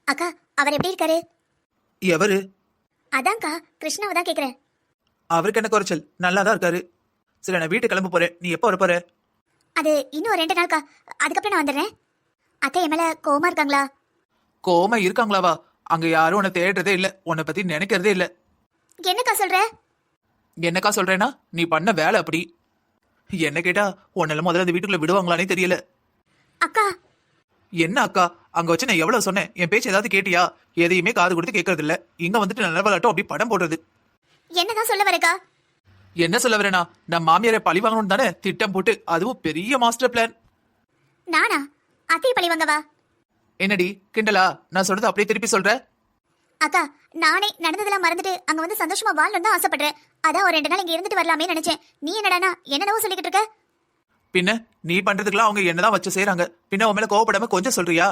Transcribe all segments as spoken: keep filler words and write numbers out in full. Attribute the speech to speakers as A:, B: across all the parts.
A: அக்கா, அவர் எப்படி இருக்காரு?
B: எவரு?
A: அதான்க்கா, கிருஷ்ணாவை தான் கேக்குறேன்.
B: அவருக்கு என்ன குறைச்சல்? நல்லா தான் இருக்காரு. சரி, நான் வீட்டு கிளம்ப போறேன். நீ எப்போ வர போற?
A: அது இன்னும் ஒரு ரெண்டு நாள்க்கா, அதுக்கப்புறம் நான் வந்துடுறேன். அத்தை என் மேல கோவமா இருக்காங்களா?
B: கோவமா இருக்காங்களாவா? அங்க யாரும் உன்னை தேடுறதே இல்ல, உன்னை பத்தி நினைக்கிறதே இல்ல.
A: என்னக்கா சொல்ற?
B: என்னக்கா சொல்றேன்னா, நீ பண்ண வேலை அப்படி. என்ன கேட்டா உன்னால முதல்ல அந்த வீட்டுக்குள்ள விடுவாங்களானே தெரியல.
A: அக்கா,
B: என்ன அக்கா? அங்க வச்சு நான் எவ்வளவு சொன்னேன்? என் பேச்சு ஏதாவது கேட்டியா? எதையுமே காது கொடுத்து கேட்கறது இல்ல. இங்க வந்துட்டு நல்ல விளையாட்டும் அப்படி படம் போடுறது.
A: என்னதான் சொல்ல வரக்கா?
B: என்ன சொல்ல வரேனா, நான் மாமியாரை பழி வாங்கணும் தானே திட்டம் போட்டு, அதுவும் பெரிய மாஸ்டர் பிளான்.
A: நானா? அத்தை பழி வாங்கவா?
B: என்னடி கிண்டலா? நான் சொல்றது அப்படியே திருப்பி சொல்ற?
A: அக்கா, நானே நடந்ததெல்லாம் மறந்துட்டு அங்க வந்து சந்தோஷமா வாழணும் தான் ஆசைப்படுறேன். அதான் ஒரு ரெண்டு நாள் இங்க இருந்துட்டு வரலாமே நினைச்சேன். நீ என்னடானா என்னென்னவோ சொல்லிக்கிட்டு இருக்க?
B: பின்ன நீ பண்றதுக்கெல்லாம் அவங்க என்னதான் வச்சு செய்யறாங்க. பின்ன உன் மேல கோவப்படாம கொஞ்சம் சொல்றியா?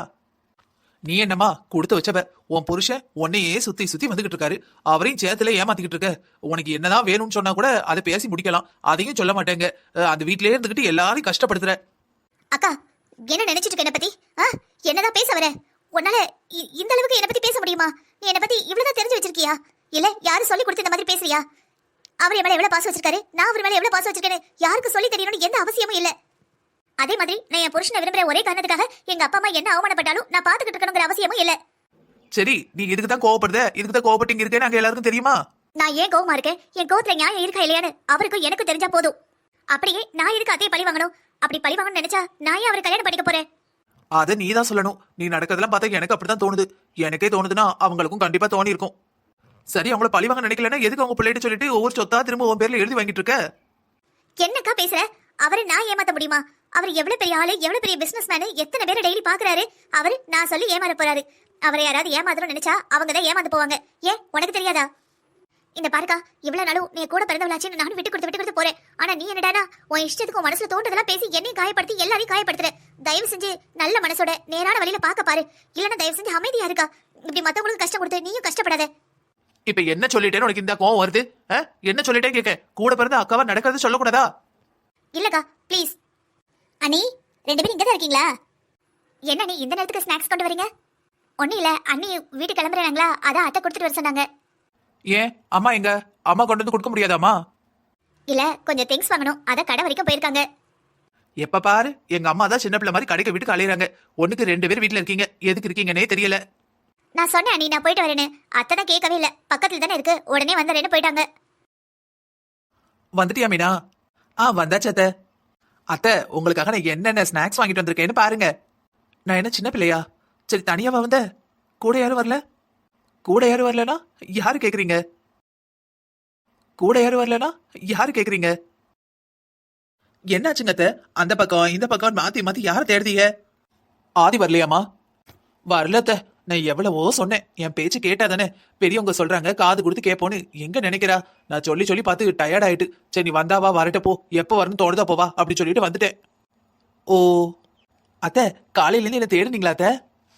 B: நீ என்னமா கொடுத்து வச்சவ? உன் புருஷன் உன்னையே சுத்தி சுத்தி வந்துகிட்டு இருக்காரு. அவரையும் சேத்துல ஏமாத்திக்கிட்டு இருக்க. உனக்கு என்னதான் வேணும்னு சொன்னா கூட அதை பேசி முடிக்கலாம். அதையும் சொல்ல மாட்டேங்க. அந்த வீட்லயே இருந்துகிட்டு எல்லாரையும் கஷ்டப்படுத்துற.
A: அக்கா, என்ன நினைச்சிட்டு இருக்க என்ன பத்தி? என்னதான் பேச வர? உன்னால இந்த அளவுக்கு என்ன பத்தி பேச முடியுமா? நீ என்ன பத்தி இவ்வளவுதான் தெரிஞ்சு வச்சிருக்கியா? இல்ல யாரும் சொல்லி கொடுத்து இந்த மாதிரி பேசுறியா? அவர் என் மேல எவ்வளவு பாசம் வச்சிருக்காரு, நான் அவர் மேல எவ்வளவு பாசம் வச்சிருக்கேன்னு யாருக்கு சொல்லி தெரியணும்னு எந்த அவசியமும் இல்ல. அதே மாதிரி நான் என் புருஷனை விரும்புற ஒரே காரணத்துக்காக எங்க அப்பா அம்மா என்ன அவமானப்பட்டாலும் நான் பாத்துக்கிட்டு இருக்கணுங்கிற அவசியமும் இல்ல.
B: சரி, நீ இதுக்கு தான் கோவப்படுத, இதுக்கு தான் கோவப்பட்டு இருக்கேன்னு நாங்க எல்லாருக்கும் தெரியுமா?
A: நான் ஏன் கோவமா இருக்கேன், என் கோவத்துல நியாயம் இருக்கா இல்லையான்னு அவருக்கும் எனக்கு தெரிஞ்சா போதும். அப்படியே நான் எதுக்கு அதே பழி வாங்கணும்? அப்படி பழி வாங்கணும்னு நினைச்சா நான் ஏன் அவரை கல்யாணம் பண்ணிக்க போறேன்?
B: அதை நீ தான் சொல்லணும். நீ நடக்கிறதெல்லாம் பார்த்தா எனக்கு அப்படிதான் தோணுது. எனக்கே தோணுதுன்னா அவங்களுக்கும் கண்டிப்பா தோணி இருக்கும். சரி, அவங்கள பழி வாங்க நினைக்கலன்னா எதுக்கு அவங்க பிள்ளைகிட்ட சொல்லிட்டு ஒவ்வொரு சொத்தா திரும்ப உன் பேர்ல எழுதி வாங்கிட்டு இருக்க?
A: என்னக்கா பேசுற? அவரை நான் ஏமாத்த முடியுமா? அவர் எவ்வளவு பெரிய ஆளு, எவ்வளவு பெரிய பிசினஸ் மேனு, எத்தனை பேரை டெய்லி பாக்குறாரு. அவரு நான் சொல்லி ஏமாற போறாரு. அவரை யாராவது ஏமாத்தணும்னு நினைச்சா அவங்க தான் ஏமாந்து போவாங்க. ஏன் உனக்கு தெரியாதா? இந்த பாருக்கா, இவ்வளவு நாளும் நீ கூட பிறந்தவளாச்சுன்னு நானும் விட்டு கொடுத்து விட்டு கொடுத்து போறேன். ஆனா நீ என்னடானா உன் இஷ்டத்துக்கு உன் மனசுல தோன்றதெல்லாம் பேசி என்னையும் காயப்படுத்தி எல்லாரையும் காயப்படுத்துற. தயவு செஞ்சு நல்ல மனசோட நேரான வழியில பாக்க பாரு. இல்லன்னா தயவு செஞ்சு அமைதியா இருக்கா. இப்படி மத்தவங்களுக்கு கஷ்டம் கொடுத்து நீயும் கஷ்டப்படாத.
B: இப்ப என்ன சொல்லிட்டேன்னு உனக்கு இந்த கோவம் வருது? என்ன சொல்லிட்டே கேட்க? கூட பிறந்த அக்காவா நடக்கிறது சொல்லக்கூடாதா?
A: இல்லக்கா, ப்ளீஸ். அண்ணி, ரெண்டு பேரும் இங்கதான் இருக்கீங்களா? என்ன நீ இந்த நேரத்துக்கு ஸ்நாக்ஸ் கொண்டு வரீங்க? ஒன்னும் இல்ல, அண்ணி வீட்டுக்கு கிளம்புறாங்களா, அதான் அத்தை கொடுத்துட்டு வர சொன்னாங்க.
B: ஏன் அம்மா எங்க? அம்மா கொண்டு வந்து கொடுக்க முடியாதாமா?
A: இல்ல, கொஞ்சம் திங்ஸ் வாங்கணும், அத கடை வரைக்கும் போயிருக்காங்க.
B: எப்ப பாரு எங்க அம்மா தான் சின்ன பிள்ளை மாதிரி கடைக்கு வீட்டுக்கு அலையறாங்க. ஒண்ணுக்கு ரெண்டு பேர் வீட்டுல இருக்கீங்க, எதுக்கு இருக்கீங்கன்னே தெரியல.
A: நான் சொன்னேன் அண்ணி நான் போயிட்டு வரேன்னு. அத்தை தான் கேட்கவே இல்ல. பக்கத்துல தானே இருக்கு, உடனே வந்துறேன்னு போயிட்டாங்க.
B: வந்துட்டியா மீனா? ஆ வந்தாச்சு அத்தை. அத்தை, உங்களுக்காக நான் என்னென்ன ஸ்நாக்ஸ் வாங்கிட்டு வந்திருக்கேன்னு பாருங்க. நான் என்ன சின்ன பிள்ளையா? சரி, தனியாவா வந்த? கூட யாரும் வரல? கூட யாரும் வரலனா யாரு கேக்குறீங்க? கூட யாரும் வரலனா யாரு கேக்குறீங்க? என்னாச்சுங்க அத்தை? அந்த பக்கம் இந்த பக்கம் மாத்தி மாத்தி யார தேடுதீங்க? ஆதி வரலையாமா? வரல அத்தை. நான் எவ்வளவோ சொன்னேன், என் பேச்சு கேட்டா தானே. பெரியவங்க சொல்றாங்க காது கொடுத்து கேட்போன்னு. எங்க நினைக்கிறா? நான் சொல்லி சொல்லி பார்த்து டயர்ட் ஆயிட்டு. சரி, நீ வந்தாவா வரட்ட போ, எப்போ வரணும் தோணுதா போவா அப்படி சொல்லிட்டு வந்துட்டேன். ஓ அத்தை, காலையிலேருந்து என்ன தேடுனீங்களா அத்தை?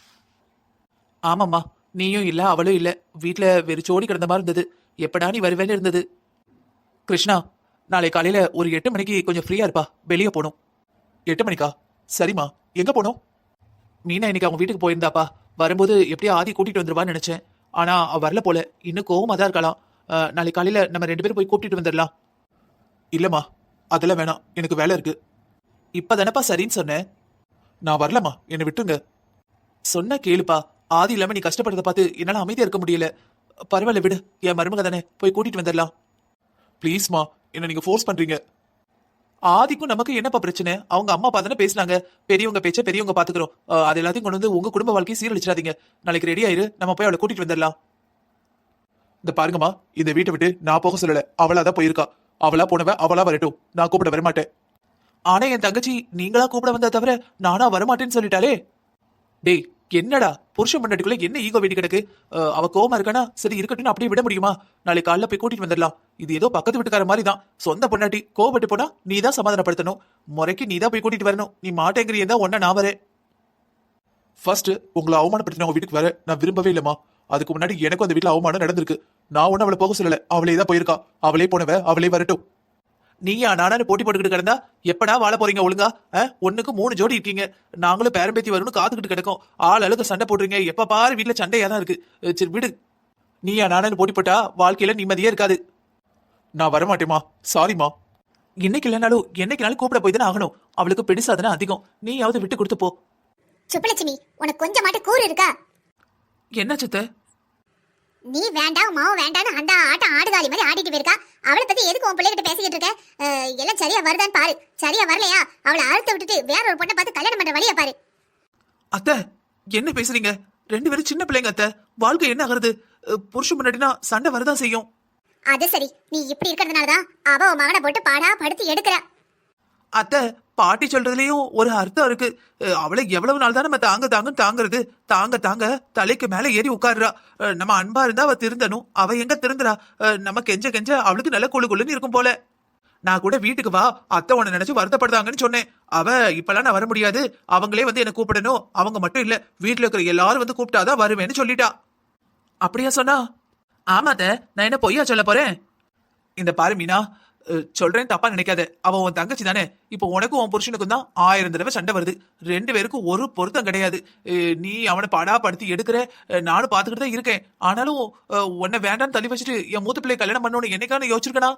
B: ஆமாம்மா, நீயும் இல்ல அவளும் இல்ல. வீட்டுல வெறிச்சோடி கிடந்த மாதிரி இருந்தது. எப்படா நீ வருவேன்னு இருந்தது. கிருஷ்ணா, நாளை காலையில ஒரு எட்டு மணிக்கு கொஞ்சம் ஃப்ரீயா இருப்பா, வெளியே போகணும். எட்டு மணிக்கா? சரிம்மா. எங்க போனோம்? மீனா இன்னைக்கு அவங்க வீட்டுக்கு போயிருந்தாப்பா. வரும்போது எப்படியா ஆதி கூட்டிட்டு வந்துருவான்னு நினைச்சேன். ஆனா அவ வரல போல. இன்னும் கோவமா தான் இருக்கலாம். நாளை காலையில நம்ம ரெண்டு பேரும் போய் கூப்பிட்டு வந்துடலாம். இல்லம்மா, அதெல்லாம் வேணாம், எனக்கு வேலை இருக்கு. இப்பதானப்பா சரின்னு சொன்னேன். நான் வரலம்மா, என்னை விட்டுருங்க. சொன்ன கேளுப்பா. ஆதி இல்லாம நீ கஷ்டப்படுறத பார்த்து என்னால அமைதியா இருக்க முடியல. பரவாயில்ல விடு, என் மருமக தானே, போய் கூட்டிட்டு வந்துடலாம். ப்ளீஸ்மா, என்ன நீங்க ஃபோர்ஸ் பண்றீங்க. ஆதிக்கும் நமக்கு என்னப்பா பிரச்சனை? அவங்க அம்மா அப்பா தானே பேசினாங்க. பெரியவங்க பேச்ச பெரியவங்க பாத்துக்கிறோம். அது எல்லாத்தையும் கொண்டு வந்து உங்க குடும்ப வாழ்க்கையை சீரழிச்சிடாதீங்க. நாளைக்கு ரெடி ஆயிரு, நம்ம போய் அவளை கூட்டிட்டு வந்துடலாம். இந்த பாருங்கம்மா, இந்த வீட்டை விட்டு நான் போக சொல்லல, அவளாதான் போயிருக்கா. அவளா போனவ அவளா வரட்டும், நான் கூப்பிட வரமாட்டேன். ஆனா என் தங்கச்சி நீங்களா கூப்பிட வந்தா தவிர நானா வரமாட்டேன்னு சொல்லிட்டாலே. டேய், என்னடா புருஷன் பண்ணட்டுக்குள்ள என்ன ஈகோ வீட்டு கிடக்கு? அவ கோவமா இருக்கானா? சரி இருக்கட்டும், அப்படியே விட முடியுமா? நாளைக்கு காலைல போய் கூட்டிட்டு வந்துடலாம். இது ஏதோ பக்கத்து வீட்டுக்கார மாதிரி தான். சொந்த பொண்டாட்டி கோவப்பட்டு போனா நீ தான் சமாதானப்படுத்தணும். முறைக்கு நீ தான் போய் கூட்டிட்டு வரணும். நீ மாட்டேங்கிறியதா ஒன்னா நான் வரேன். ஃபர்ஸ்ட் உங்களை அவமானப்படுத்தின உங்க வீட்டுக்கு வர நான் விரும்பவே இல்லம்மா. அதுக்கு முன்னாடி எனக்கும் அந்த வீட்டுல அவமானம் நடந்திருக்கு. நான் ஒன்னும் அவளை போக சொல்லல, அவளே தான் போயிருக்கா. அவளே போனவ அவளே வரட்டும். நீயா நானானு போட்டி போட்டுக்கிட்டு கிடந்தா எப்படா வாழ போறீங்க ஒழுங்கா? அஹ், ஒண்ணுக்கு மூணு ஜோடி இருக்கீங்க. நாங்களும் பேரம்பேத்தி வரும்னு காத்துக்கிட்டு கிடக்கோம். ஆள் அழுக சண்டை போடுறீங்க. எப்ப பாரு வீட்டுல சண்டையா தான் இருக்கு. அஹ், சரி விடு. நீயா நானானு போட்டி போட்டா வாழ்க்கையில நிம்மதியே இருக்காது. நான் வரமாட்டேமா, சாரிமா. இன்னைக்கு இல்லைனாலும் என்னைக்குனாலும் கூப்பிட போய் தானே ஆகணும். அவளுக்கு பெருசாதானே அதிகம். நீயாவது விட்டு கொடுத்து போ.
A: சுப்பலட்சுமி, உனக்கு கொஞ்சம் மாட்டு கூறு இருக்கா?
B: என்ன சித்த?
A: நீ வேண்டாம் மாவும் வேண்டாம்னு அந்த ஆட்டம் ஆடுகாலி மாதிரி ஆடிட்டு போயிருக்கா. அவளை பத்தி எதுக்கு உன் பிள்ளைகிட்ட பேசிக்கிட்டு இருக்க? அஹ், எல்லாம் சரியா வருதான்னு பாரு. சரியா வரலையா அவளை அழுத்த விட்டுட்டு வேற ஒரு பொண்ணை பார்த்து கல்யாணம் பண்ற வழியா பாரு.
B: அத்தை, என்ன பேசுறீங்க? ரெண்டு பேரும் சின்ன பிள்ளைங்க அத்தை. வாழ்க்கை என்ன ஆகுறது? அஹ், புருஷன் முன்னாடினா சண்டை வரதான் செய்யும்.
A: அது சரி, நீ இப்படி இருக்கிறதுனாலதான் அவ உன் மகனை போட்டு பாடா படுத்து எடுக்கிற.
B: அத்தை, பாட்டி சொல்றதுலயும் ஒரு அர்த்தம் இருக்கு. அஹ், அவளை எவ்வளவு நாள் தான் நம்ம தாங்க தாங்கன்னு தாங்குறது? தாங்க தாங்க தலைக்கு மேல ஏறி உட்காருறா. அஹ், நம்ம அன்பா இருந்தா அவ திருந்தணும். அவ எங்க திருந்துறா? அஹ், நம்ம கெஞ்ச கெஞ்ச அவளுக்கு நல்ல குழு குழுன்னு இருக்கும் போல. நான் கூட வீட்டுக்கு வா, அத்தை உன்னை நினைச்சு வருத்தப்படுதாங்கன்னு சொன்னேன். அவ இப்பெல்லாம் நான் வர முடியாது, அவங்களே வந்து என்ன கூப்பிடணும். அவங்க மட்டும் இல்ல, வீட்டுல இருக்கிற எல்லாரும் வந்து கூப்பிட்டாதான் வருவேன்னு சொல்லிட்டா. அப்படியா சொன்னா? ஆமாத, நான் என்ன பொய்யா சொல்ல போறேன்? இந்த பாரு மீனா, அஹ், சொல்றேன் தப்பா நினைக்காத. அவன் உன் தங்கச்சி தானே. இப்போ உனக்கும் உன் புருஷனுக்கும் தான் ஆயிரம் தடவை சண்டை வருது. ரெண்டு பேருக்கும் ஒரு பொருத்தம் கிடையாது. அஹ், நீ அவனை பாடா படுத்தி எடுக்கிற. அஹ், நானும் பாத்துக்கிட்டு தான் இருக்கேன். ஆனாலும் அஹ், உன்னை வேண்டான்னு தள்ளி வச்சுட்டு என் மூத்த பிள்ளை கல்யாணம் பண்ணணும்னு என்னைக்கான யோசிச்சிருக்கனா?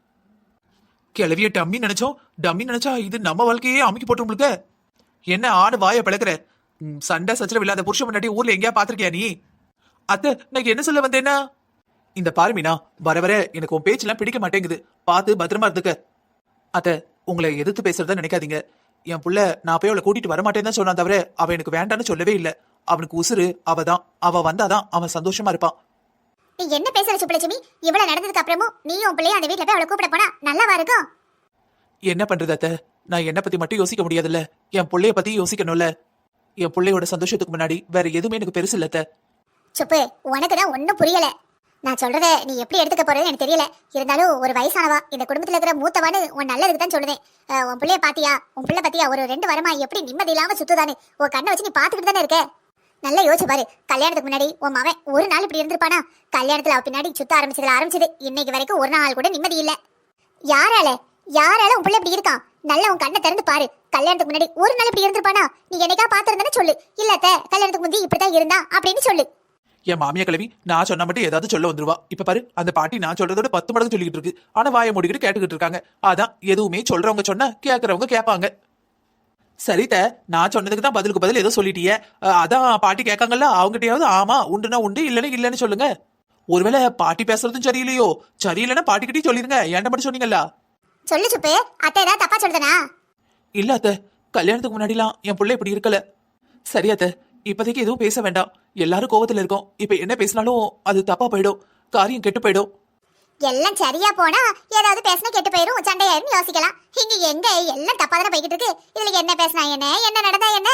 B: கிளவிய டம்மி நினைச்சோம். டம்மி நினைச்சா இது நம்ம வாழ்க்கையே அமைக்கி போட்டு உங்களுக்கு. என்ன ஆடு வாய பழக்கிற? ம், சண்டை சச்சரவு இல்லாத புருஷன் முன்னாடி ஊர்ல எங்கேயா பாத்திருக்கியா நீ? அத்தை, நான் என்ன சொல்ல வந்தேன்னா, இந்த பாரு மீனா, வர வர எனக்கு உன் பேச்செல்லாம் பிடிக்க மாட்டேங்குது. பார்த்து பத்திரமா இருந்துக்க. அத்தை, உங்களை எதிர்த்து பேசுறதா நினைக்காதீங்க. என் புள்ள நான் போய் அவளை கூட்டிட்டு வரமாட்டேன்னு தான் சொன்னான் தவிர அவ எனக்கு வேண்டான்னு சொல்லவே இல்லை. அவனுக்கு உசுறு அவ தான். அவ வந்தாதான் அவன் சந்தோஷமா இருப்பான்.
A: நீ என்ன பேசுற சுப்பலட்சுமி? இவ்வளவு நடந்ததுக்கு அப்புறமும் நீ உன் பிள்ளைய அந்த வீட்டுல போய் அவளை கூப்பிட போனா நல்லாவா இருக்கும்?
B: என்ன பண்றது அத்தை? நான் என்ன பத்தி மட்டும் யோசிக்க முடியாதுல்ல, என் பிள்ளைய பத்தி யோசிக்கணும்ல. என் பிள்ளையோட சந்தோஷத்துக்கு முன்னாடி வேற எதுவுமே எனக்கு பெருசு இல்ல அத்தை.
A: சுப்பு, உனக்குதான் ஒன்னும் புரியல. நான் சொல்றத நீ எப்படி எடுத்துக்க போறேன்னு எனக்கு தெரியல. இருந்தாலும் ஒரு வயசானவா, இந்த குடும்பத்துல இருக்கிற மூத்தவான்னு உன் நல்லதுக்கு தான் சொல்லுதேன். அஹ், உன் பிள்ளைய பாத்தியா? உன் பிள்ளை பாத்தியா? ஒரு ரெண்டு வாரமா எப்படி நிம்மதி இல்லாம சுத்துதானு உன் கண்ணை வச்சு நீ பாத்துக்கிட்டு தானே இருக்க. நல்லா யோசிச்சு பாரு. கல்யாணத்துக்கு முன்னாடி உன் மவன் ஒரு நாள் இப்படி இருந்திருப்பானா? கல்யாணத்துல அவ பின்னாடி சுத்த ஆரம்பிச்சதுல ஆரம்பிச்சது இன்னைக்கு வரைக்கும் ஒரு நாள் கூட நிம்மதி இல்ல. யாரால யாரால உன் பிள்ளை இப்படி இருக்கான்? நல்லா உன் கண்ணை திறந்து பாரு. கல்யாணத்துக்கு முன்னாடி ஒரு நாள் இப்படி இருந்திருப்பானா? நீ என்னைக்கா பாத்துருந்தானே சொல்லு. இல்லத்த கல்யாணத்துக்கு முந்தி இப்படிதான் இருந்தா அப்படின்னு சொல்லு.
B: என் மாமியா கிழவி நான் சொன்ன மட்டும் ஏதாவது சொல்ல வந்துருவா. இப்ப பாரு, அந்த பாட்டி நான் சொல்றதோட பத்து மடங்கு சொல்லிக்கிட்டு இருக்கு. ஆனா வாயை மூடிக்கிட்டு கேட்டுக்கிட்டு இருக்காங்க. அதான், எதுவுமே சொல்றவங்க சொன்னா கேட்கறவங்க கேட்பாங்க. சரித்த, நான் சொன்னதுக்கு தான் பதிலுக்கு பதில் ஏதோ சொல்லிட்டியே. அஹ், அதான் பாட்டி கேட்காங்கல்ல, அவங்ககிட்டயாவது ஆமா உண்டுனா உண்டு, இல்லைன்னா இல்லைன்னு சொல்லுங்க. ஒருவேளை பாட்டி பேசுறதும் சரியில்லையோ? சரியில்லைன்னா பாட்டிக்கிட்டே சொல்லிருங்க. ஏன்ட்ட மட்டும் சொன்னீங்கல்ல.
A: சொல்லு சுப்பு, அத்தை ஏதாவது தப்பா சொல்றனா?
B: இல்ல அத்தை, கல்யாணத்துக்கு முன்னாடிலாம் என் பிள்ளை இப்படி இருக்கல. சரி அத்தை, இப்போதைக்கு எதுவும் பேச வேண்டாம். எல்லாரும் கோவத்துல இருக்கோம். இப்ப என்ன பேசினாலும் அது தப்பா போயிடும், காரியம் கெட்டு போயிடும்.
A: எல்லாம் சரியா போனா ஏதாவது பேசினா கெட்டு போயிரும், சண்டையாயிரும் யோசிக்கலாம். இங்க எங்க எல்லாம் தப்பா தானே போய்கிட்டு இருக்கு. இதுல என்ன பேசினா என்ன, என்ன நடந்தா என்ன?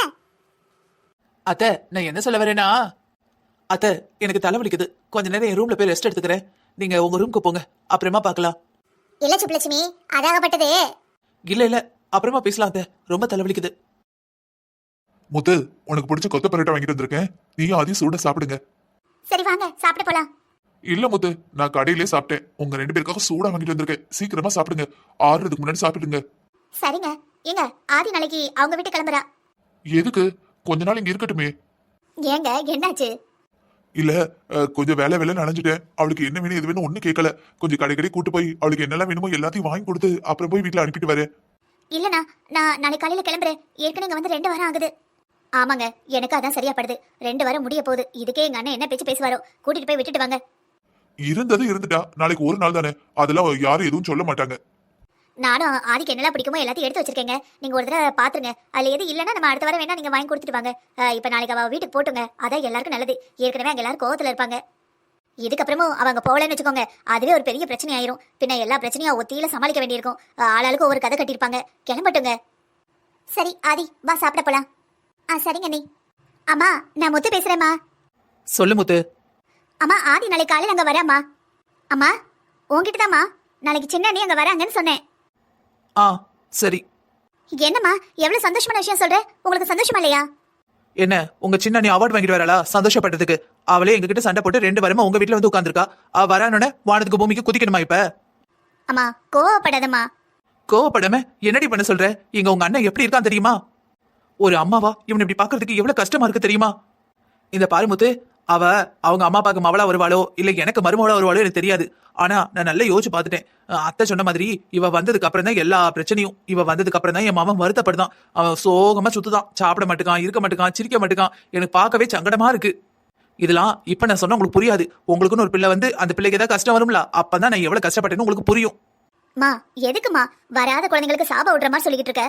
B: அத்தை, நான் என்ன சொல்ல வரேன்னா, அத்தை எனக்கு தலைவலிக்குது. கொஞ்ச நேரம் என் ரூம்ல போய் ரெஸ்ட் எடுத்துக்கிறேன். நீங்க உங்க ரூமுக்கு போங்க, அப்புறமா பார்க்கலாம்.
A: இல்ல சுப்புலட்சுமி, அதாகப்பட்டது.
B: இல்ல இல்ல, அப்புறமா பேசலாம் அத்தை, ரொம்ப தலைவலிக்குது.
C: முத்து, உனக்கு பிடிச்ச கொத்த பரோட்டா வாங்கிட்டு வந்திருக்கேன். நீயும் அதையும் சூட சாப்பிடுங்க.
A: சரி வாங்க சாப்பிட போலாம்.
C: இல்ல முத்து, நான் கடையிலே சாப்பிட்டேன். உங்க ரெண்டு பேருக்காக சூடா வாங்கிட்டு வந்திருக்கேன். சீக்கிரமா சாப்பிடுங்க. ஆறுறதுக்கு முன்னாடி சாப்பிடுங்க.
A: சரிங்க. ஏங்க, ஆதி நாளைக்கு அவங்க வீட்டு கிளம்புறா.
C: எதுக்கு? கொஞ்ச நாள் இங்க இருக்கட்டுமே.
A: ஏங்க என்னாச்சு?
C: இல்ல, அஹ், கொஞ்சம் வேலை வேலை நனைஞ்சிட்டேன். அவளுக்கு என்ன வேணும் எது வேணும் ஒண்ணு கேட்கல. கொஞ்சம் கடை கடை கூட்டு போய் அவளுக்கு என்னெல்லாம் வேணுமோ எல்லாத்தையும் வாங்கி கொடுத்து அப்புறம் போய் வீட்டுல அனுப்பிட்டு வரேன்.
A: இல்லண்ணா, நான் நாளைக்கு காலையில கிளம்புறேன். ஏற்கனவே இங்க வந்து ரெண்டு வாரம் ஆகுது. ஆமாங்க, எனக்கு அதான் சரியா படுது. ரெண்டு வாரம் முடிய போகுது. இதுக்கே எங்க அண்ணன் என்ன பேச்சு பேசுவாரோ. கூட்டிட்டு போய் விட்டுட்டு வாங்க.
C: இருந்தது இருந்துட்டா, நாளைக்கு ஒரு நாள் தானே, அதெல்லாம் யாரும் எதுவும் சொல்ல மாட்டாங்க.
A: நானும் ஆதிக்கு என்னெல்லாம் பிடிக்குமோ எல்லாத்தையும் எடுத்து வச்சிருக்கேங்க. நீங்க ஒரு தடவை பாத்துருங்க. அதுல எது இல்லைன்னா நம்ம அடுத்த வாரம் வேணா நீங்க வாங்கி கொடுத்துட்டு வாங்க. அஹ், இப்ப நாளைக்கு அவ வீட்டுக்கு போட்டுங்க. அதான் எல்லாருக்கும் நல்லது. ஏற்கனவே அங்க எல்லாரும் கோவத்துல இருப்பாங்க. இதுக்கப்புறமும் அவங்க போகலன்னு வச்சுக்கோங்க, அதுவே ஒரு பெரிய பிரச்சனை ஆயிரும். பின்ன எல்லா பிரச்சனையும் ஒத்தியில சமாளிக்க வேண்டியிருக்கும். அஹ், ஆளாளுக்கு ஒவ்வொரு கதை கட்டியிருப்பாங்க. கிளம்பட்டுங்க. சரி ஆதி, வா சாப்பிட போலாம். ஆ சரிங்க நீ. அம்மா, நான் முத்து பேசுறேம்மா.
B: சொல்லு முத்து.
A: அம்மா, ஆதி நாளைக்கு காலையில் அங்கே வராம்மா. அம்மா, உங்ககிட்ட தாம்மா நாளைக்கு சின்ன அண்ணி அங்கே வராங்கன்னு சொன்னேன்.
B: ஆ சரி.
A: என்னம்மா, எவ்வளோ சந்தோஷமான விஷயம் சொல்ற. உங்களுக்கு சந்தோஷமா இல்லையா?
B: என்ன, உங்க சின்ன நீ அவார்டு வாங்கிட்டு வரலா சந்தோஷப்பட்டதுக்கு? அவளே எங்ககிட்ட சண்டை போட்டு ரெண்டு வாரமா உங்க வீட்டுல வந்து உட்காந்துருக்கா. அவ வரானோட வானத்துக்கு பூமிக்கு குதிக்கணுமா இப்ப?
A: அம்மா கோவப்படாதம்மா.
B: கோவப்படாம என்னடி பண்ண சொல்ற? இங்க உங்க அண்ணன் எப்படி இருக்கான் தெரியுமா? ஒரு அம்மாவா இவன் இப்படி பாக்குறதுக்கு எவ்வளவு கஷ்டமா இருக்கு தெரியுமா? இந்த பாருமுத்து, அவ அவங்க அம்மா அப்பாக்கு மவளா வருவாளோ இல்ல எனக்கு மருமவளா வருவாளோ எனக்கு தெரியாது. ஆனா நான் நல்லா யோசிச்சு பார்த்துட்டேன். அத்தை சொன்ன மாதிரி இவ வந்ததுக்கு அப்புறம் தான் எல்லா பிரச்சனையும். இவ வந்ததுக்கு அப்புறம் தான் என் மாமன் வருத்தப்படுதான். அவன் சோகமா சுத்துதான், சாப்பிட மாட்டுக்கான், இருக்க மாட்டுக்கான், சிரிக்க மாட்டுக்கான். எனக்கு பார்க்கவே சங்கடமா இருக்கு. இதெல்லாம் இப்ப நான் சொன்னா உங்களுக்கு புரியாது. உங்களுக்குன்னு ஒரு பிள்ளை வந்து அந்த பிள்ளைக்கு ஏதாவது கஷ்டம் வரும்ல, அப்பதான் நான் எவ்வளவு கஷ்டப்பட்டேன்னு உங்களுக்கு புரியும்.
A: மா எதுக்குமா வராத குழந்தைங்களுக்கு சாப விடுற மாதிரி சொல்லிக்கிட்டு இருக்க?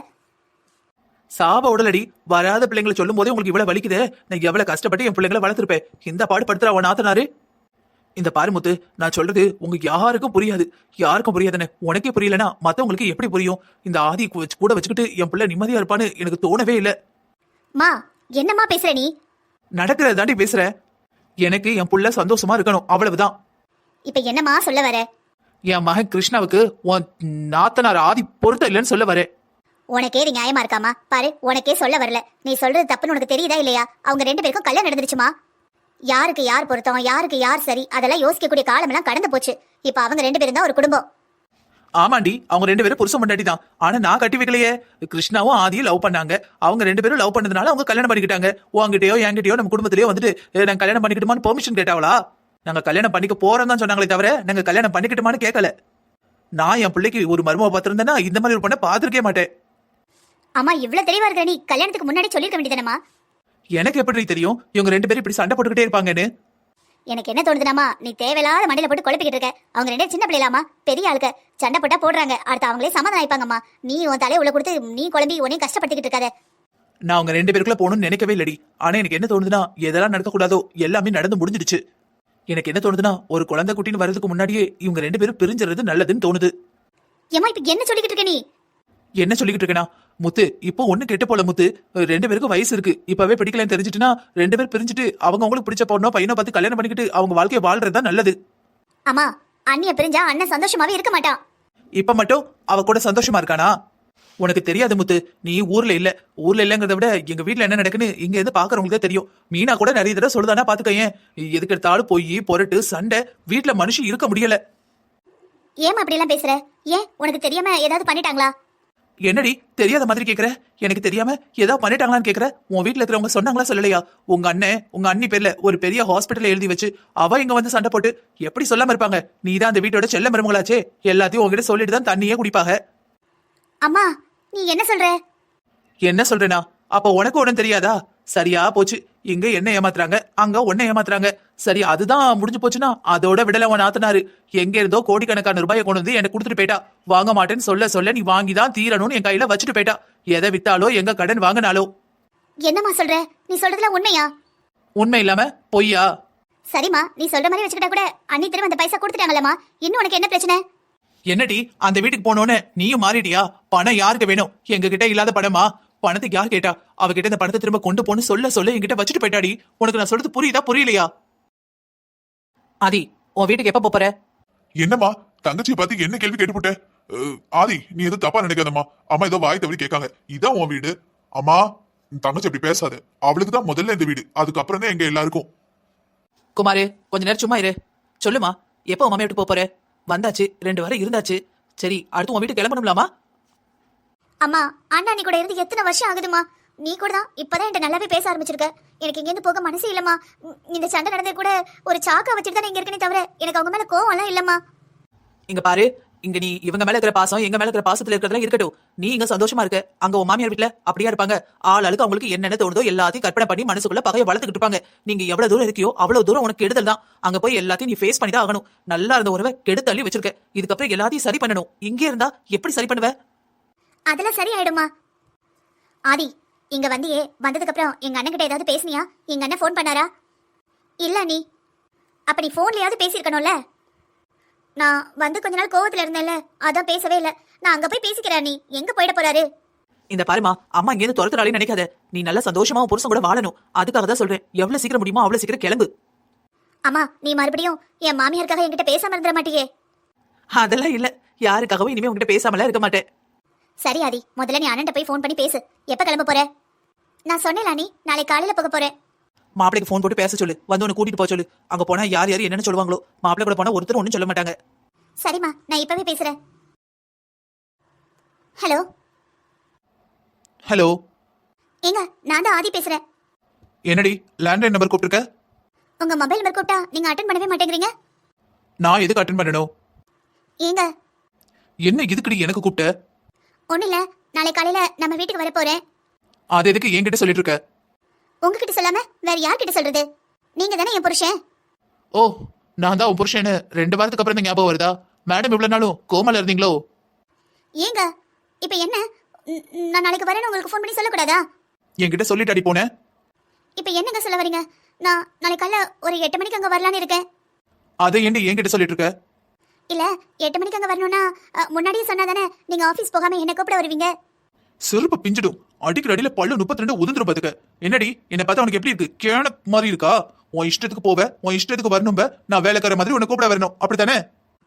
B: சாப உடலடி, வராத பிள்ளைங்களை சொல்லும் போதே உங்களுக்கு இவ்வளவு வலிக்குது. நான் எவ்வளவு கஷ்டப்பட்டு என் பிள்ளைங்களை வளர்த்துருப்பேன். இந்த பாடு படுத்துற அவன் ஆத்தனாரு. இந்த பாருமுத்து, நான் சொல்றது உங்க யாருக்கும் புரியாது. யாருக்கும் புரியாதுன்னு உனக்கே புரியலனா மத்தவங்களுக்கு எப்படி புரியும்? இந்த ஆதி கூட வச்சுக்கிட்டு என் பிள்ளை நிம்மதியா இருப்பான்னு எனக்கு தோணவே இல்லை.
A: மா என்னம்மா பேசுற நீ?
B: நடக்கிறத தாண்டி பேசுற. எனக்கு என் புள்ள சந்தோஷமா இருக்கணும், அவ்வளவுதான்.
A: இப்ப என்னம்மா சொல்ல வர?
B: என் மகன் கிருஷ்ணாவுக்கு உன் நாத்தனார் ஆதி பொருத்தம் இல்லைன்னு சொல்ல வரேன்.
A: உனக்கே இது நியாயமா இருக்காமா? பாரு, உனக்கே சொல்ல வரல. நீ சொல்றது தப்புன்னு உனக்கு தெரியுதா இல்லையா? அவங்க ரெண்டு பேருக்கும் கல்யாணம் நடந்துருச்சுமா. யாருக்கு யார் பொருத்தம், யாருக்கு யார் சரி, அதெல்லாம் யோசிக்கக்கூடிய காலம் எல்லாம் கடந்து போச்சு. இப்ப அவங்க ரெண்டு பேரும் தான் ஒரு குடும்பம்.
B: ஆமாண்டி, அவங்க ரெண்டு பேரும் புருஷன் பொண்டாட்டி தான். ஆனா நான் கட்டி வைக்கலையே. கிருஷ்ணாவும் ஆதியும் லவ் பண்ணாங்க. அவங்க ரெண்டு பேரும் லவ் பண்ணதுனால அவங்க கல்யாணம் பண்ணிக்கிட்டாங்க. உங்ககிட்டயோ என்கிட்டயோ நம்ம குடும்பத்திலயோ வந்துட்டு நாங்க கல்யாணம் பண்ணிக்கிட்டுமான்னு பெர்மிஷன் கேட்டாவளா? நாங்க கல்யாணம் பண்ணிக்க போறோம் தான் சொன்னாங்களே தவிர நாங்க கல்யாணம் பண்ணிக்கிட்டுமான்னு கேட்கல. நான் என் பிள்ளைக்கு ஒரு மருமக பார்த்திருந்தேன்னா இந்த மாதிரி ஒரு பொண்ணை பார்த்திருக்கே மாட்டேன்.
A: அம்மா இவ்வளவு தெளிவா இருக்கிற நீ கல்யாணத்துக்கு முன்னாடி சொல்லிருக்க வேண்டியதானமா?
B: எனக்கு எப்படி தெரியும் இவங்க ரெண்டு பேரும் இப்படி சண்டை போட்டுக்கிட்டே இருப்பாங்கன்னு?
A: எனக்கு என்ன தோணுதுனாமா, நீ தேவையில்லாத மண்டையில போட்டு குழப்பிக்கிட்டு இருக்க. அவங்க ரெண்டே சின்ன பிள்ளைலாமா, பெரிய ஆளுக்க. சண்டை போட்டா போடுறாங்க, அடுத்து அவங்களே சமாதானம் ஆயிப்பாங்கம்மா. நீ உன் தலையை உள்ள கொடுத்து நீ குழம்பி உன்னையும் கஷ்டப்படுத்திக்கிட்டு இருக்காத.
B: நான் அவங்க ரெண்டு பேருக்குள்ள போகணும்னு நினைக்கவே இல்லடி. ஆனா எனக்கு என்ன தோணுதுன்னா, எதெல்லாம் நடக்கக்கூடாதோ எல்லாமே நடந்து முடிஞ்சிடுச்சு. எனக்கு என்ன தோணுதுன்னா, ஒரு குழந்தை குட்டின்னு வர்றதுக்கு முன்னாடியே இவங்க ரெண்டு பேரும் பிரிஞ்சிறது நல்லதுன்னு தோணுது.
A: ஏமா இப்ப என்ன சொல்லிக்கிட்டு இருக்க நீ?
B: என்ன சொல்லிக்கிட்டு இருக்கேனா முத்து, இப்போ ஒண்ணு கெட்டு போல முத்து. ரெண்டு பேருக்கும் வயசு இருக்கு. இப்பவே பிடிக்கலன்னு தெரிஞ்சுட்டுனா ரெண்டு பேரும் பிரிஞ்சுட்டு அவங்க அவங்களுக்கு பிடிச்ச பொண்ணோ பையனோ பார்த்து கல்யாணம் பண்ணிக்கிட்டு அவங்க வாழ்க்கையை வாழ்றதுதான் நல்லது.
A: அம்மா, அண்ணிய பிரிஞ்சா அண்ணன் சந்தோஷமாவே இருக்க மாட்டான்.
B: இப்ப மட்டும் அவ கூட சந்தோஷமா இருக்கானா? உனக்கு தெரியாது முத்து. நீ ஊர்ல இல்ல. ஊர்ல இல்லங்கிறத விட எங்க வீட்டுல என்ன நடக்குன்னு இங்க இருந்து பாக்குறவங்களுக்கு தான் தெரியும். மீனா கூட நிறைய தடவை சொல்லுதானா பாத்துக்கேன். எதுக்கு எடுத்தாலும் போய் பொருட்டு சண்டை, வீட்டுல மனுஷன் இருக்க முடியல.
A: ஏமா அப்படி எல்லாம் பேசுற? ஏன் உனக்கு தெரியாம ஏதாவது பண்ணிட்டாங்களா?
B: என்னடி தெரியாத மாதிரி கேக்குற? எனக்கு தெரியாம ஏதாவது பண்ணிட்டாங்களான்னு கேக்குற? உன் வீட்டுல இருக்கிறவங்க சொன்னாங்களா சொல்லலையா? உங்க அண்ணன் உங்க அண்ணி பேர்ல ஒரு பெரிய ஹாஸ்பிட்டல் எழுதி வச்சு அவ இங்க வந்து சண்டை போட்டு எப்படி சொல்லாம இருப்பாங்க? நீ தான் அந்த வீட்டோட செல்ல மருமகளாச்சே. எல்லாத்தையும் உங்ககிட்ட சொல்லிட்டு தான் தண்ணியே குடிப்பாங்க.
A: அம்மா நீ என்ன சொல்ற?
B: என்ன சொல்றேனா? அப்ப உனக்கு ஒண்ணும் தெரியாதா? சரியா போச்சு. இங்க என்ன ஏமாத்துறாங்க, அங்க ஒன்ன ஏமாத்துறாங்க. சரி, அதுதான் முடிஞ்சு போச்சுன்னா அதோட விடல உன் ஆத்தனாரு. எங்க இருந்தோ கோடிக்கணக்கான ரூபாயை கொண்டு வந்து எனக்கு கொடுத்துட்டு போயிட்டா. வாங்க மாட்டேன்னு சொல்ல சொல்ல நீ வாங்கிதான் தீரணும்னு என் கையில வச்சுட்டு போயிட்டா. எதை வித்தாலோ எங்க கடன் வாங்கினாலோ.
A: என்னம்மா சொல்ற? நீ சொல்றதுல உண்மையா?
B: உண்மை இல்லாம பொய்யா?
A: சரிம்மா, நீ சொல்ற மாதிரி வச்சுக்கிட்டா கூட அண்ணி திரும்ப அந்த பைசா கொடுத்துட்டாங்களம்மா. இன்னும் உனக்கு என்ன பிரச்சனை?
B: என்னடி அந்த வீட்டுக்கு போனோன்னு நீயும் மாறிட்டியா? பணம் யாருக்கு வேணும்? எங்க கிட்ட இல்லாத பணமா? பணத்துக்கு யார் கேட்டா? அவகிட்ட இந்த பணத்தை திரும்ப கொண்டு போன்னு சொல்ல சொல்ல என்கிட்ட வச்சுட்டு போயிட்டாடி. உனக்கு நான் சொல்றது புரியுதா புரியலையா? ஆதி, உன் வீட்டுக்கு எப்ப போற?
C: என்னம்மா தங்கச்சியை பார்த்து என்ன கேள்வி கேட்டுப்புட்ட? ஆதி, நீ எதுவும் தப்பா நினைக்காதம்மா. அம்மா ஏதோ வாய் தவறி கேட்காங்க. இதான் உன் வீடு. அம்மா, தங்கச்சி அப்படி பேசாத. அவளுக்கு தான் முதல்ல இந்த வீடு, அதுக்கப்புறம் தான் எங்க எல்லாருக்கும்.
B: குமாரு, கொஞ்ச நேரம் சும்மா இரு. சொல்லுமா, எப்போ உன் மாமியா வீட்டு போற? வந்தாச்சு, ரெண்டு வாரம் இருந்தாச்சு. சரி, அடுத்து உன் வீட்டுக்கு கிளம்பணும்லாமா?
A: அம்மா, அண்ணா நீ கூட இருந்து எத்தனை வருஷம் ஆகுதுமா? நீ கூட தான் இப்பதான் என்கிட்ட நல்லாவே பேச ஆரம்பிச்சிருக்க. எனக்கு இங்கேருந்து போக மனசே இல்லம்மா. இந்த சண்டை நடந்தது கூட ஒரு சாக்கா வச்சுட்டு தான் இங்க இருக்கனே தவிர எனக்கு அவங்க மேல கோவம் எல்லாம் இல்லம்மா.
B: இங்க பாரு, இங்க நீ இவங்க மேல இருக்கிற பாசம் எங்க மேல இருக்கிற பாசத்துல இருக்கிறதெல்லாம் இருக்கட்டும். நீ இங்க சந்தோஷமா இருக்க. அங்க உன் மாமியார் வீட்டுல அப்படியா இருப்பாங்க? ஆள் ஆளுக்கு அவங்களுக்கு என்னென்ன தோணுதோ எல்லாத்தையும் கற்பனை பண்ணி மனசுக்குள்ள பகையை வளர்த்துக்கிட்டு இருப்பாங்க. நீங்க எவ்வளவு தூரம் இருக்கியோ அவ்வளவு தூரம் உனக்கு கெடுதல் தான். அங்க போய் எல்லாத்தையும் நீ ஃபேஸ் பண்ணி தான் ஆகணும். நல்லா இருந்த உறவை கெடுத்தள்ளி வச்சிருக்க. இதுக்கப்புறம் எல்லாத்தையும் சரி பண்ணணும். இங்கே இருந்தா எப்படி சரி பண்ணுவ?
A: அதெல்லாம் சரி ஆயிடுமா? ஆதி, இங்க வந்தியே, வந்ததுக்கு அப்புறம் எங்க அண்ணன் கிட்ட ஏதாவது பேசுனியா? எங்க அண்ணன் ஃபோன் பண்ணாரா? இல்ல நீ அப்ப நீ போன்லயாவது பேசியிருக்கணும்ல. நான் வந்து கொஞ்ச நாள் கோவத்துல இருந்தேன்ல, அதான் பேசவே இல்ல. நான் அங்க போய் பேசிக்கிறேன். நீ எங்க போயிட போறாரு?
B: இந்த பாருமா, அம்மா இங்க இருந்து துரத்துறாலே நினைக்காத. நீ நல்லா சந்தோஷமா புருஷன் கூட வாழணும். அதுக்காக தான் சொல்றேன். எவ்வளவு சீக்கிரம் முடியுமோ அவ்வளவு சீக்கிரம் கிளம்பு.
A: அம்மா, நீ மறுபடியும் என் மாமியாருக்காக என்கிட்ட பேசாம இருந்துட மாட்டியே?
B: அதெல்லாம் இல்ல. யாருக்காகவும் இனிமே உங்ககிட்ட பேசாமலாம் இருக்க மாட்டேன்.
A: சரி ஆதி, முதல்ல நீ அண்ணன் போய் ஃபோன் பண்ணி பேசு. எப்ப கிளம்ப போற? நான் சொன்னேன் நீ நாளை காலையில போக போறேன்.
B: மாப்பிளைக்கு ஃபோன் போட்டு பேச சொல்லு. வந்து உன்னை கூட்டிட்டு போக சொல்லு. அங்க போனா யார் யார் என்னன்னு சொல்லுவாங்களோ. மாப்பிள்ளை கூட போனா ஒருத்தர் ஒன்னும் சொல்ல மாட்டாங்க.
A: சரிம்மா, நான் இப்பவே பேசுறேன். Hello
B: hello.
A: ஏங்க, நான் தான் ஆதி பேசுறேன்.
B: என்னடி லேண்ட்லைன் நம்பர் கூப்பிட்டுருக்க?
A: உங்க மொபைல் நம்பர் கூப்பிட்டா நீங்க அட்டன் பண்ணவே மாட்டேங்கிறீங்க.
B: நான் எதுக்கு அட்டன் பண்ணணும்?
A: ஏங்க,
B: என்ன இதுக்கடி எனக்கு கூப்பிட்ட?
A: ஒண்ணு இல்ல, நாளை காலையில நம்ம வீட்டுக்கு வர போறேன்.
B: அது எதுக்கு என்கிட்ட சொல்லிட்டு இருக்க?
A: உங்ககிட்ட சொல்லாம வேற யார்கிட்ட சொல்றது? நீங்க தானே என் புருஷன்.
B: ஓ, நான் தான் உன் புருஷன்னு ரெண்டு வாரத்துக்கு அப்புறம் தான் ஞாபகம் வருதா? மேடம் இவ்வளவு நாளும் கோமால இருந்தீங்களோ?
A: ஏங்க, இப்ப என்ன? ம், நான் நாளைக்கு வரேன்னு உங்களுக்கு ஃபோன் பண்ணி சொல்லக்கூடாதா?
B: என்கிட்ட சொல்லிட்டு அடி போனேன்.
A: இப்ப என்னங்க சொல்ல வரீங்க? நான் நாளை காலைல ஒரு எட்டு மணிக்கு அங்க வரலான்னு இருக்கேன்.
B: அதை ஏண்டி என்கிட்ட சொல்லிட்டு இருக்க?
A: இல்ல, எட்டு மணிக்கு அங்க வரணும்னா அ, முன்னாடியே சொன்னா தானே நீங்க ஆபீஸ் போகாம என்ன கூப்பிட வருவீங்க.
B: செருப்பு பிஞ்சிடும். அடிக்கிற அடியில பல்லு முப்பத்தி ரெண்டு உதிர்ந்துரும் பாத்துக்க. என்னடி என்ன பார்த்தா உனக்கு எப்படி இருக்கு? கேன மாதிரி இருக்கா? உன் இஷ்டத்துக்கு போவ, உன் இஷ்டத்துக்கு வரணும். நான் வேலைக்கார மாதிரி உன்னை கூப்பிட வரணும், அப்படித்தானே?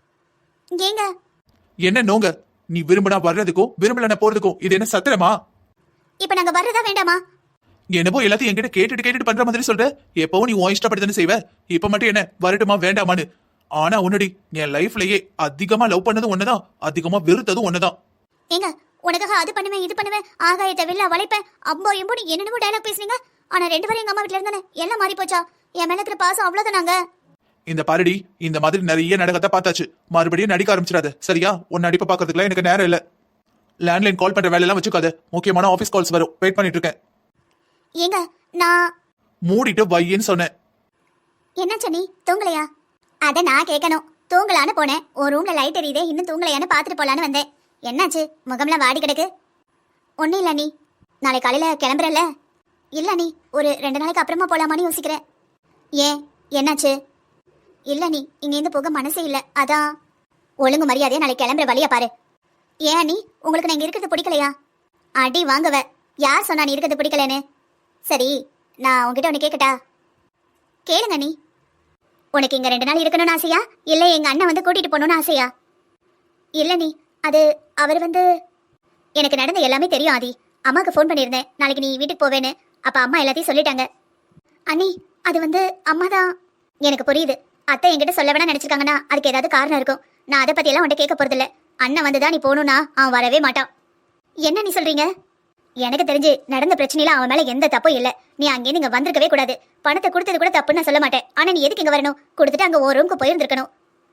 A: ஏங்க,
B: என்ன நோங்க? நீ விரும்பினா வர்றதுக்கும் விரும்பலனா போறதுக்கும் இது என்ன சத்திரமா?
A: இப்ப நாங்க வர்றதா வேண்டாமா?
B: என்னப்போ எல்லாத்தையும் என்கிட்ட கேட்டுட்டு கேட்டுட்டு பண்ற மாதிரி சொல்ற. எப்பவும் நீ உன் இஷ்டப்படி தானே செய்வ. இப்ப மட்டும் என்ன வரட்டுமா வேண்டாமான்னு? ஆனா உன்னடி என் லைஃப்லயே அதிகமா லவ் பண்ணதும் ஒண்ணுதான், அதிகமா வெறுத்ததும் ஒண்ணுதான்.
A: ஏங்க, உனக்காக அது பண்ணுவேன் இது பண்ணுவேன் ஆகாயத்தை வெளில வளைப்பேன் அம்போ எம்போன்னு என்னென்னமோ டயலாக் பேசுனீங்க. ஆனா ரெண்டு பேரும் எங்க அம்மா வீட்டுல இருந்தானே எல்லாம் மாறி போச்சா? என் மேல இருக்கிற பாசம் அவ்வளவுதானாங்க.
B: இந்த பாருடி, இந்த மாதிரி நிறைய நாடகத்தை பார்த்தாச்சு. மறுபடியும் நடிக்க ஆரம்பிச்சிடாத, சரியா? உன் நடிப்பை பாக்குறதுக்குலாம் எனக்கு நேரம் இல்ல. லேண்ட்லைன் கால் பண்ற வேலையெல்லாம் வச்சுக்காத. முக்கியமான ஆபீஸ் கால்ஸ் வரும், வெயிட் பண்ணிட்டு இருக்கேன்.
A: ஏங்க, நான்
B: மூடிட்டு வையேன்னு சொன்னேன்.
A: என்னாச்சு, நீ தூங்கலையா? அத நான் கேட்கணும். தூங்கலான்னு போனேன், ஒரு ரூம்ல லைட் எரியுதே, இன்னும் தூங்கலையான்னு பாத்துட்டு போலான்னு வந்தேன். என்னாச்சு, முகம்லாம் வாடி கிடக்கு? ஒன்னும் இல்ல நீ, நாளை காலையில கிளம்புறல? இல்ல நீ, ஒரு ரெண்டு நாளைக்கு அப்புறமா போலாமான்னு யோசிக்கிறேன். ஏன், என்னாச்சு? இல்ல நீ, இங்கேருந்து போக மனசே இல்ல, அதான். ஒழுங்கு மரியாதையா நாளைக்கு கிளம்புற வழியா பாரு. ஏன் நீ, உங்களுக்கு நான் இங்க இருக்கிறது பிடிக்கலையா? அடி வாங்குவ. யார் சொன்னா நீ இருக்கிறது பிடிக்கலன்னு? சரி, நான் உங்ககிட்ட ஒன்று கேட்கட்டா? கேளுங்க நீ. உனக்கு இங்க ரெண்டு நாள் இருக்கணும்னு ஆசையா, இல்லை எங்க அண்ணன் வந்து கூட்டிட்டு போகணும்னு ஆசையா? இல்ல நீ, அது அவர் வந்து எனக்கு நடந்த எல்லாமே தெரியும் ஆதி. அம்மாவுக்கு ஃபோன் பண்ணியிருந்தேன் நாளைக்கு நீ வீட்டுக்கு போவேன்னு. அப்ப அம்மா எல்லாத்தையும் சொல்லிட்டாங்க. அண்ணி, அது வந்து அம்மா தான். எனக்கு புரியுது. அத்தை என்கிட்ட சொல்ல வேணா நினைச்சிருக்காங்கன்னா அதுக்கு ஏதாவது காரணம் இருக்கும். நான் அதை பத்தி எல்லாம் உன்கிட்ட கேட்க போறதில்ல. அண்ணன் வந்துதான் நீ போகணும்னா அவன் வரவே மாட்டான். என்ன நீ சொல்றீங்க? எனக்கு தெரிஞ்சு நடந்த பிரச்சனையில அவன் மேல எந்த தப்பும் இல்ல. நீ அங்கே நீங்க வந்திருக்கவே கூடாது. பணத்தை கொடுத்தது கூட தப்புன்னு நான் சொல்ல மாட்டேன். ஆனா நீ எதுக்கு இங்க வரணும்? கொடுத்துட்டு அங்க ஒரு ரூமுக்கு போயிருந்திருக்கணும்.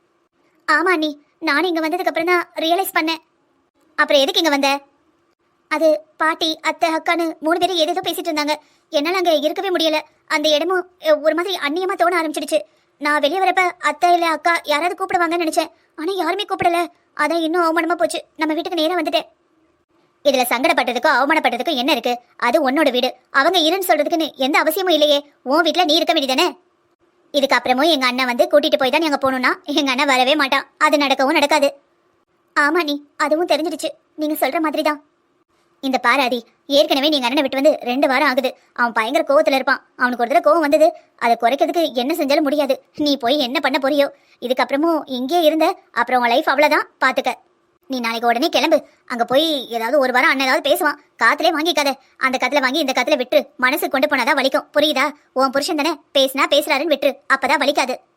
A: ஆமா நீ, நானும் இங்க வந்ததுக்கு அப்புறம் தான் ரியலைஸ் பண்ணேன். அப்புறம் எதுக்கு இங்க வந்த? அது பாட்டி அத்தை அக்கான்னு மூணு பேரும் ஏதேதோ பேசிட்டு இருந்தாங்க. என்னால அங்க இருக்கவே முடியல. அந்த இடமும் அஹ், ஒரு மாதிரி அந்நியமா தோண ஆரம்பிச்சிடுச்சு. நான் வெளியே வரப்ப அத்தை இல்ல அக்கா யாராவது கூப்பிடுவாங்கன்னு நினைச்சேன். ஆனா யாருமே கூப்பிடல. அதான் இன்னும் அவமானமா போச்சு. நம்ம வீட்டுக்கு நேரா வந்துட்டேன். இதுல சங்கடப்பட்டதுக்கும் அவமானப்பட்டதுக்கும் என்ன இருக்கு? அது உன்னோட வீடு. அவங்க இருன்னு சொல்றதுக்குன்னு எந்த அவசியமும் இல்லையே. உன் வீட்டுல நீ இருக்க வேண்டியதானே? இதுக்கு அப்புறமும் எங்க அண்ணன் வந்து கூட்டிட்டு போய் தான் எங்க போகணும்னா எங்க அண்ணன் வரவே மாட்டான். அது நடக்கவும் நடக்காது. ஆமா நீ, அதுவும் தெரிஞ்சிடுச்சு. நீங்க சொல்ற மாதிரி தான். இந்த பாராதி, ஏற்கனவே நீங்க அண்ணனை விட்டு வந்து ரெண்டு வாரம் ஆகுது. அவன் பயங்கர கோவத்துல இருப்பான். அவனுக்கு ஒரு தடவை கோவம் வந்தது, அதை குறைக்கிறதுக்கு என்ன செஞ்சாலும் முடியாது. நீ போய் என்ன பண்ண போறியோ? இதுக்கப்புறமும் இங்கே இருந்த அப்புறம் உன் லைஃப் அவ்வளவுதான், பாத்துக்க. நீ நாளைக்கு உடனே கிளம்பு. அங்க போய் ஏதாவது ஒரு வாரம் அண்ணன் ஏதாவது பேசுவான், காத்துலே வாங்கிக்காத. அந்த கத்துல வாங்கி இந்த கத்துல விட்டு மனசு கொண்டு போனாதான் வலிக்கும், புரியுதா? உன் புருஷன் தானே, பேசினா பேசுறாருன்னு விட்டு, அப்பதான் வலிக்காது.